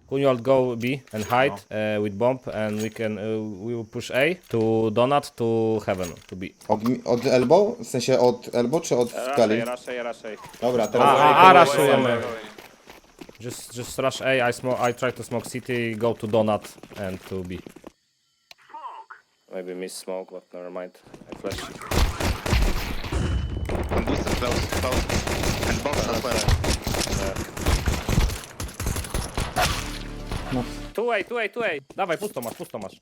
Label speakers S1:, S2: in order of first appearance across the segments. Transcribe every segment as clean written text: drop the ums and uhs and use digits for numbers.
S1: Could you all go B and hide with bomb and we will push A to donut to heaven to B.
S2: Od elbow? W sensie od elbow czy od skali?
S1: Rush A.
S2: Dobra, teraz...
S1: Rushujemy. Just rush A, I try to smoke city, go to donut and to B. Maybe miss smoke, but never mind. I flash.
S3: One booster close. And box as well.
S1: 2A. Dawaj, pusto masz.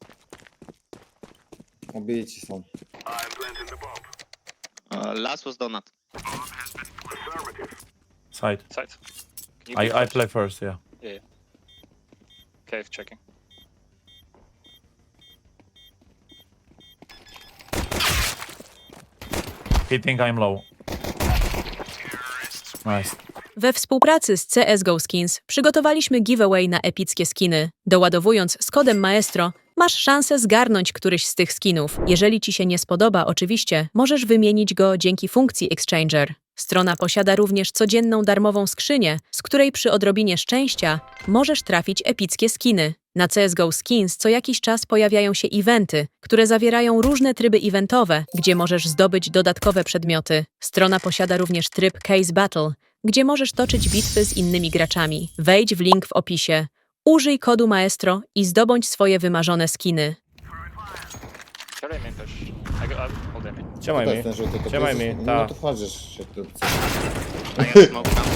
S2: Obici są.
S3: Last was donut.
S4: Side.
S5: Side.
S4: I play first, yeah.
S5: Yeah. Cave checking.
S4: He think I'm low. Nice.
S6: We współpracy z CSGO Skins przygotowaliśmy giveaway na epickie skiny. Doładowując z kodem Maestro, masz szansę zgarnąć któryś z tych skinów. Jeżeli ci się nie spodoba, oczywiście, możesz wymienić go dzięki funkcji Exchanger. Strona posiada również codzienną darmową skrzynię, z której przy odrobinie szczęścia możesz trafić epickie skiny. Na CSGO Skins co jakiś czas pojawiają się eventy, które zawierają różne tryby eventowe, gdzie możesz zdobyć dodatkowe przedmioty. Strona posiada również tryb Case Battle, gdzie możesz toczyć bitwy z innymi graczami. Wejdź w link w opisie, użyj kodu Maestro i zdobądź swoje wymarzone skiny.
S5: Carry main push. Hold main.
S1: Trzymaj
S2: To
S1: mi.
S2: jest ten żółty, to
S1: Trzymaj
S2: jest-
S1: mi,
S2: No
S1: ta.
S2: to wchodzisz się tu.
S3: I got smoke ramp.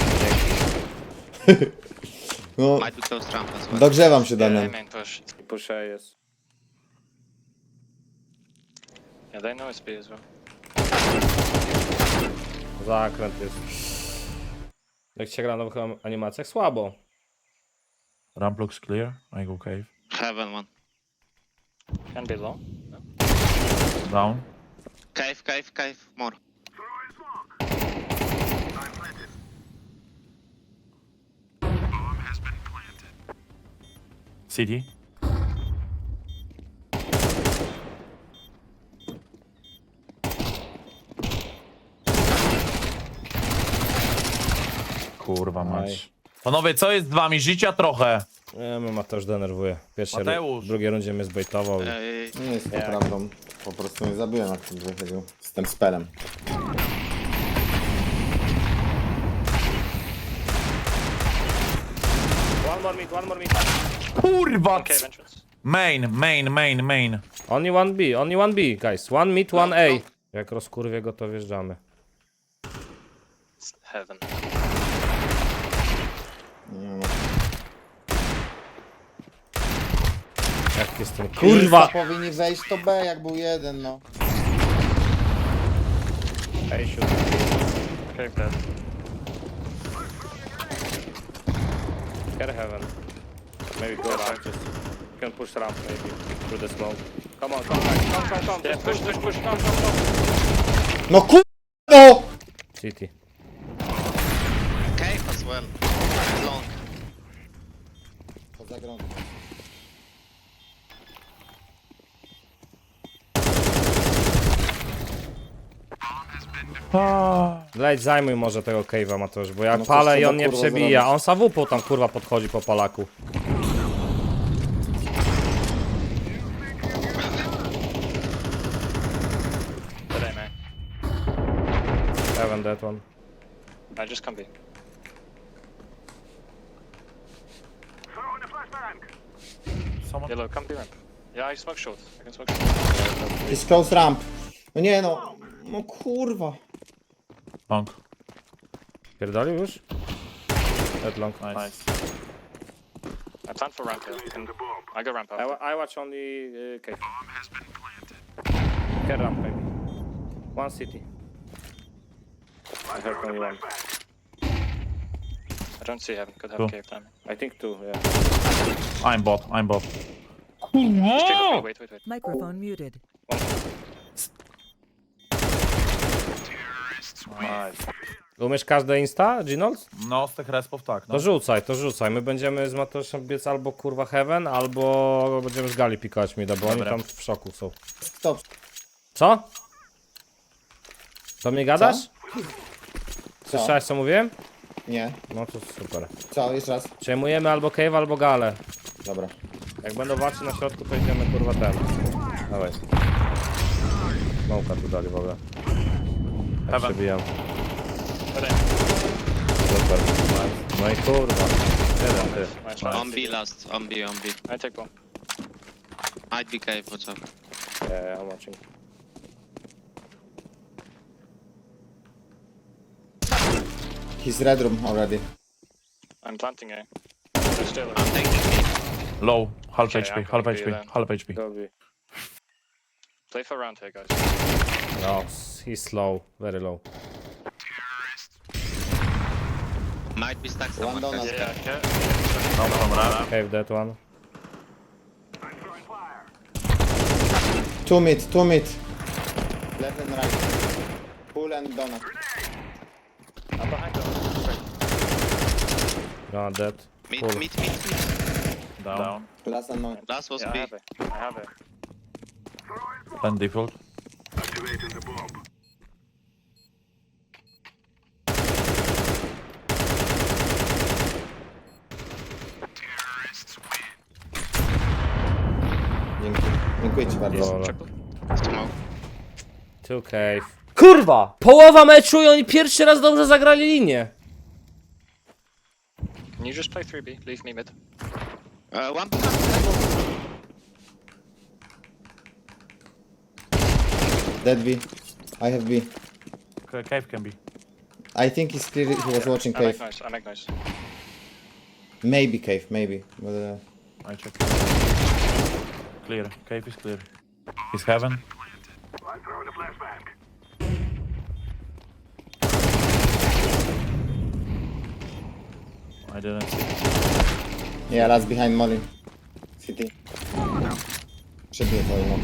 S2: No,
S3: Might be close ramp as well.
S2: dogrzewam się,
S5: Carry
S2: Damian.
S5: main push.
S1: Push A jest.
S5: Yeah, they know it's B as well.
S1: Zakręt jest. Jak się gra na nowych animacjach? Słabo.
S4: Ramp looks clear. I go cave.
S3: Heaven one.
S5: Can be low. No.
S4: Down.
S3: Cave. More.
S4: City. Kurwa mać. Panowie, co jest z wami? Życia trochę.
S1: Nie, mnie Mateusz denerwuje.
S4: Mateusz.
S1: W drugiej rundzie mnie zbejtował.
S2: Nie jest to prawdą. Po prostu mnie zabiłem, jak tym wychodził. Z tym spelem.
S1: One more mid.
S4: Kurwa!
S5: Cave entrance.
S4: Main.
S1: Only one B, guys. One mid, one A. Jak rozkurwie go, to wjeżdżamy.
S5: It's heaven.
S1: Jak jest ten kurwa!
S2: Powinni wejść to B, jak był jeden, no.
S1: A shoot.
S5: Cave dead.
S1: Care heaven. Maybe go ramp. Just you can push ramp maybe through the smoke. Come on.
S5: Yeah, push.
S1: Come.
S2: No no!
S1: City.
S3: Cave as well. Long.
S2: Poza grą.
S1: Leć, zajmuj może tego cave'a, Mateusz, bo jak
S2: No coś
S1: palę i
S2: trzeba,
S1: on nie
S2: kurwa,
S1: przebija.
S2: zrobić.
S1: On sawupą tam kurwa podchodzi po palaku.
S5: Today, man.
S1: Heaven that one.
S5: I just come B.
S4: Someone...
S5: Yellow, come B ramp. Yeah, I smoke short. I can smoke short.
S2: Jest close ramp. No nie no. No kurwa.
S4: Long.
S1: Pierdolił już? That long.
S4: Nice.
S5: I plan for ramp here. I go ramp out.
S1: I watch only cave. Care ramp maybe. One city. I heard only one.
S5: I don't see heaven. Could have
S4: Cool.
S5: cave timing.
S1: I think two, yeah.
S4: I'm bot.
S5: Just check with me. Wait.
S7: Microphone muted.
S4: Nice.
S1: Umiesz każde insta, Ginold?
S4: No, z tych respów tak, no.
S1: To rzucaj. My będziemy z Mateuszem biec albo kurwa heaven, albo będziemy z gali pikować mida, bo oni
S4: Dobra.
S1: tam w szoku są.
S2: Stop.
S1: Co? Do mnie gadasz? Słyszałeś co mówiłem?
S2: Nie.
S1: No to super.
S2: Co, jeszcze raz?
S1: Przejmujemy albo cave, albo galę.
S2: Dobra.
S1: Jak będą walczyć na środku, to idziemy kurwa ten. Dawaj. Smoka tu dali w ogóle. Ja
S4: Heaven.
S1: przebijam. Super. Nice. No i kurwa. Jeden ty.
S5: Nice.
S3: On B last. On B.
S5: I take bomb.
S3: Might be cave, what's up?
S1: Yeah, I'm watching.
S2: He's red room already.
S5: I'm planting A. They're still
S3: I'm taking B.
S4: Low. Half
S5: Okay,
S4: HP,
S5: I'm
S4: half
S5: gonna be
S4: HP,
S5: then.
S4: half HP.
S1: Go B.
S5: play for round here, guys.
S1: No, he's slow. Very low.
S3: Might be stuck somewhere.
S2: One down.
S3: guys.
S5: Yeah, yeah.
S4: Dobra.
S1: Cave that one.
S2: 2 mid, 2 mid. Left and right. Pull and donut.
S5: I'm behind them.
S1: No, dead.
S3: Mid,
S1: Cool.
S3: mid, mid, mid.
S4: Down.
S2: Last and no.
S3: Last was
S5: Yeah, I
S3: B.
S5: have it. I have it.
S4: Ten default.
S2: Dzięki. Dziękuję ci bardzo.
S1: Dobra.
S3: Smoke.
S1: Two cave. Kurwa! Połowa meczu i oni pierwszy raz dobrze zagrali linię.
S5: Can you just play 3B? Leave me mid.
S3: One.
S2: Dead B. I have B.
S4: Cave can be.
S2: I think he's clear. He was watching
S5: I make
S2: cave.
S5: nice. I make nice.
S2: Maybe cave, maybe. But,
S4: I check. Clear. Cave is clear. He's heaven. I didn't see.
S2: yeah, that's behind Molly. City. Przebiję to, no.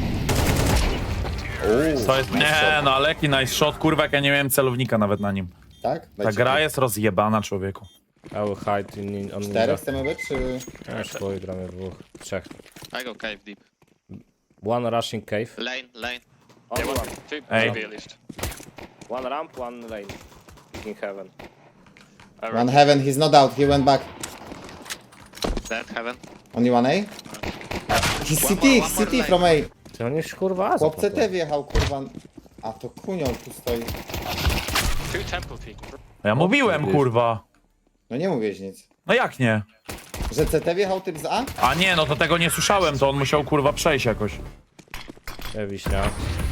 S4: To jest... Nie, no ale jaki nice shot, kurwa, jak ja nie miałem celownika nawet na nim.
S2: Tak?
S4: Ta gra jest rozjebana, człowieku.
S1: I will hide on
S2: 4 chcemy być, czy...
S1: Ja szkoły gramy dwóch. Trzech.
S3: I go cave deep.
S1: One rushing cave.
S3: Lane, lane.
S1: Only one.
S4: Hey.
S5: 2B at least.
S1: One ramp, one lane. In heaven.
S2: One heaven, he's not out, he went back.
S3: Dead, heaven.
S2: Only one A? He's
S3: One
S2: CT,
S3: more, one more
S2: CT
S3: lane.
S2: from A.
S1: Ty on już kurwa
S2: Chłop CT wjechał, kurwa. A to kunio tu stoi.
S5: 2 temple peak.
S4: Ja mówiłem, kurwa.
S2: No nie mówiłeś nic.
S4: No jak nie?
S2: Że CT wjechał typ z A?
S4: A nie, no to tego nie słyszałem, to on musiał, kurwa, przejść jakoś.
S1: Nie wiśnia.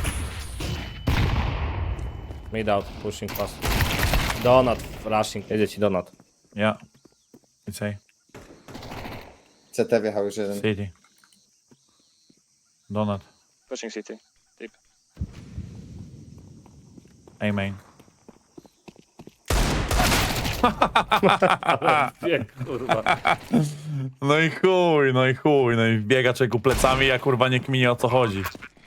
S1: Mid out, pushing fast. Donut, rushing. Jedzie ci donut.
S4: Ja. It's A.
S2: CT wjechał już jeden.
S4: City. Donut.
S5: Pushing CT. Deep.
S4: A main.
S1: Nie, kurwa.
S4: No i chuj, no i chuj, no i biega czeku plecami, ja kurwa nie kminie o co chodzi.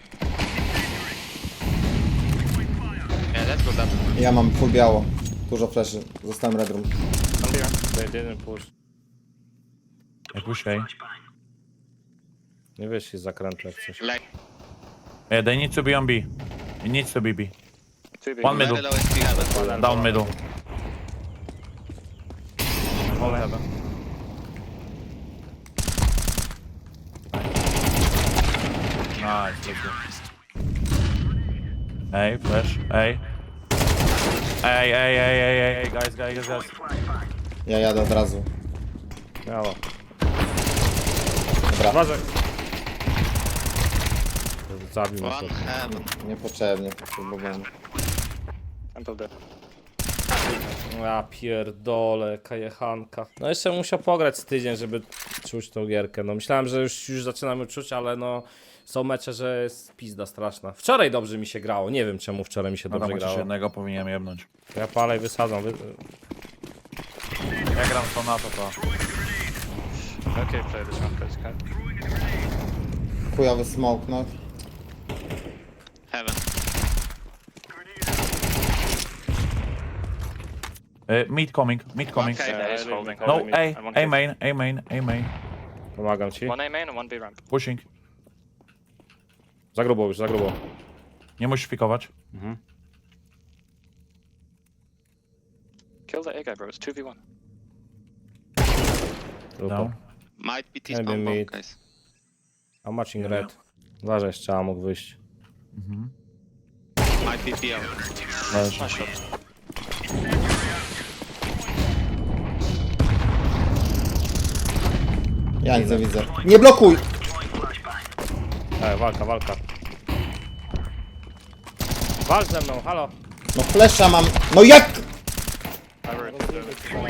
S3: Yeah, let's go down.
S2: Ja mam full biało. Dużo fleszy. Zostałem red room.
S5: I'm here.
S1: They didn't push.
S4: Jak puszczaj.
S1: Nie wiesz, jest zakręt jak coś.
S3: Lane.
S4: Yeah, they need to be on B. It needs to be B.
S5: 2B.
S4: One middle.
S3: Very low HP heaven.
S4: Down middle. Nice, let's go. Hey, flash, hey. Hey, guys.
S2: Ja jadę od razu.
S1: Miała.
S2: Dobra,
S1: Uważaj. Zabił mnie
S3: One
S1: to.
S3: heaven.
S2: niepotrzebnie potrzebowałem.
S5: Temple dead.
S1: Ja pierdolę, kajechanka. No jeszcze musiał pograć z tydzień, żeby czuć tą gierkę. No myślałem, że już zaczynamy czuć, ale no są mecze, że jest pizda straszna. Wczoraj dobrze mi się grało, nie wiem czemu wczoraj mi się
S4: No
S1: dobrze
S4: tam chociaż
S1: grało.
S4: jednego powinienem jebnąć.
S1: Ja palę i wysadzam.
S4: Ja gram to na to.
S5: Okay, play this one, please. Okay.
S2: Chujowy smoke, no.
S3: Heaven.
S4: Mid coming.
S3: Okay.
S5: Yeah, he's holding.
S4: No,
S5: holding mid. And one cave.
S4: A main.
S1: Pomagam ci.
S5: One A main and one B ramp.
S4: Pushing.
S1: Za grubo już, za grubo.
S4: Nie musisz fikować.
S5: Kill the A guy, bro. It's 2v1.
S1: Trupa.
S4: No.
S3: Might be
S1: Maybe
S3: T-spawn bomb,
S1: mid.
S3: guys.
S1: A matching red. Uważaj, strzała mógł wyjść.
S3: Might be PL.
S5: Nice shot.
S2: Ja nic nie widzę. Nie blokuj!
S1: Walka, walka. Walcz ze mną, halo.
S2: No flesza mam. No jak?
S5: I rotated.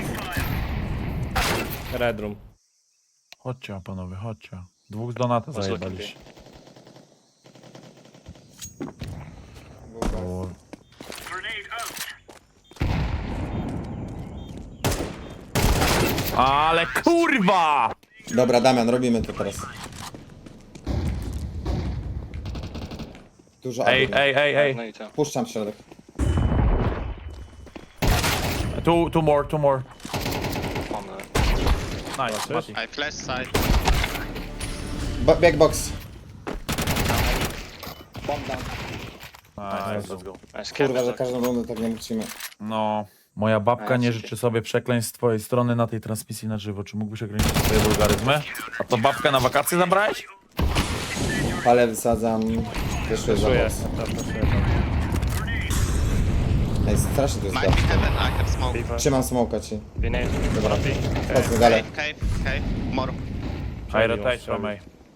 S1: Red room.
S4: Chodźcie, panowie, chodźcie. Dwóch z Donata
S5: Let's look at B.
S4: zajebaliście. O, ale kurwa!
S2: Dobra, Damian, robimy to teraz. Dużo
S4: Ej,
S2: adów.
S4: ej.
S5: No you too.
S2: Puszczam w środek.
S4: Two more.
S5: On the...
S4: Nice, Mati.
S3: I flash side.
S2: Backbox. Bomb down.
S4: Nice, let's go.
S5: Nice
S2: Kurwa, że
S5: kill.
S2: każdą rundę tak nie musimy.
S4: No, moja babka nie
S5: Nice.
S4: życzy sobie przekleństw z twojej strony na tej transmisji na żywo. Czy mógłbyś ograniczyć swoje wulgaryzmy? A to babkę na wakacje zabrałeś?
S2: Palę wysadzam. Wyszły za
S1: Czuję.
S2: box. Ej, strasznie to jest
S3: Might be
S2: gap.
S3: heaven, I have smoke.
S5: B5.
S2: Trzymam smoka ci.
S5: B nade. Dobra. B.
S2: Chodźmy dalej.
S3: Cave. More.
S4: I rotate from A.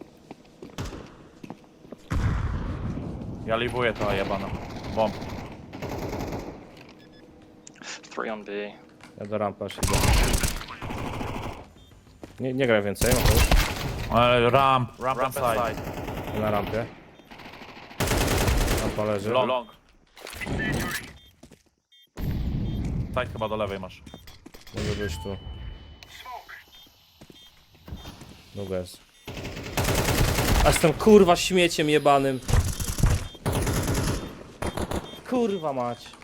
S4: Ja libuję to jebana. Bomb.
S5: 3 on B.
S1: Ja do rampy aż idę. Nie graj więcej, Mateusz.
S4: Ramp side.
S1: Na rampie. Rampa leży.
S4: Long. Side chyba do lewej masz.
S1: Może być tu. Długo jest. A jestem kurwa śmieciem jebanym. Kurwa mać.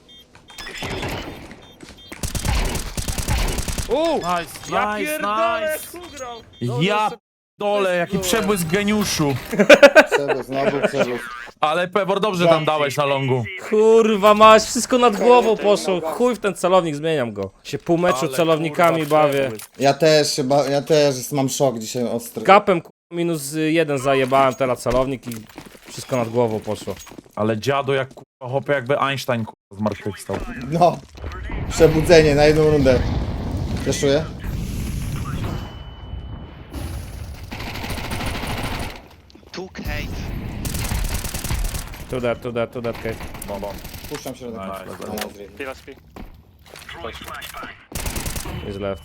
S4: Nice,
S1: Ja pierdolę, kugrał!
S4: Ja dole, jaki przebłysk geniuszu.
S2: Przewóz, znowu przewóz.
S4: Ale Pewor dobrze tam dałeś na longu.
S1: Kurwa mać, wszystko nad głową poszło. Chuj w ten celownik, zmieniam go. Się pół meczu
S4: Ale
S1: celownikami
S4: kurwa,
S1: bawię.
S4: przebłysk.
S2: Ja też mam szok dzisiaj ostry.
S1: Gapem kurwa, -1 zajebałem teraz celownik i wszystko nad głową poszło.
S4: Ale dziadu jak kurwa, hopie jakby Einstein kurwa, zmartwychwstał.
S2: No. Przebudzenie na jedną rundę. Fleszuję?
S3: Two cave.
S1: To that case.
S2: Puszczam środek.
S4: Nice,
S2: No, nice, really.
S5: B last B.
S1: Is left.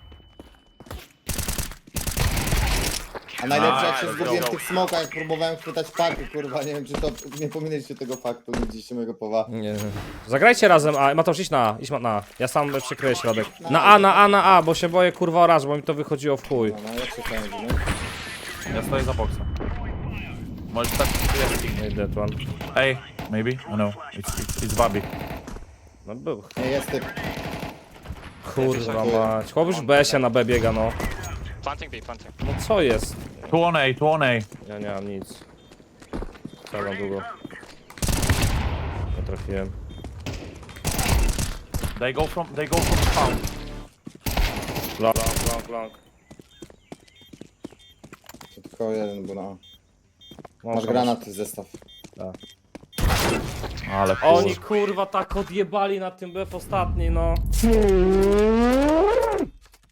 S2: A najlepsze jak się
S4: Nice,
S2: zgubiłem w
S4: go.
S2: tych smokach, jak próbowałem chwytać paky, kurwa, nie wiem czy to, nie pominęliście tego faktu, nie widzieliście mojego powa.
S1: Nie. Zagrajcie razem A. Mateusz, idź na A. Idź na A. Ja sam przykryję środek. Na A, bo się boję kurwa oraz, bo mi to wychodziło w chuj.
S2: No, jak się fajnie, nie?
S4: Ja stoję za boksem. Możesz tak...
S1: That one.
S4: Ej, maybe? I know. It's Wabi.
S1: No był.
S2: Nie, jest typ.
S1: Kurwa mać. Chłop już B-sie na B biega, no.
S5: Planting B, planting.
S1: No co jest?
S4: Two on A.
S1: Ja nie mam nic. Cały długo. Nie trafiłem.
S4: They go from spawn.
S1: Long.
S2: To tylko jeden był na.
S1: Long.
S2: Masz granat, zestaw.
S4: Ale kurwa.
S1: Oni kurwa tak odjebali na tym BF ostatni, no.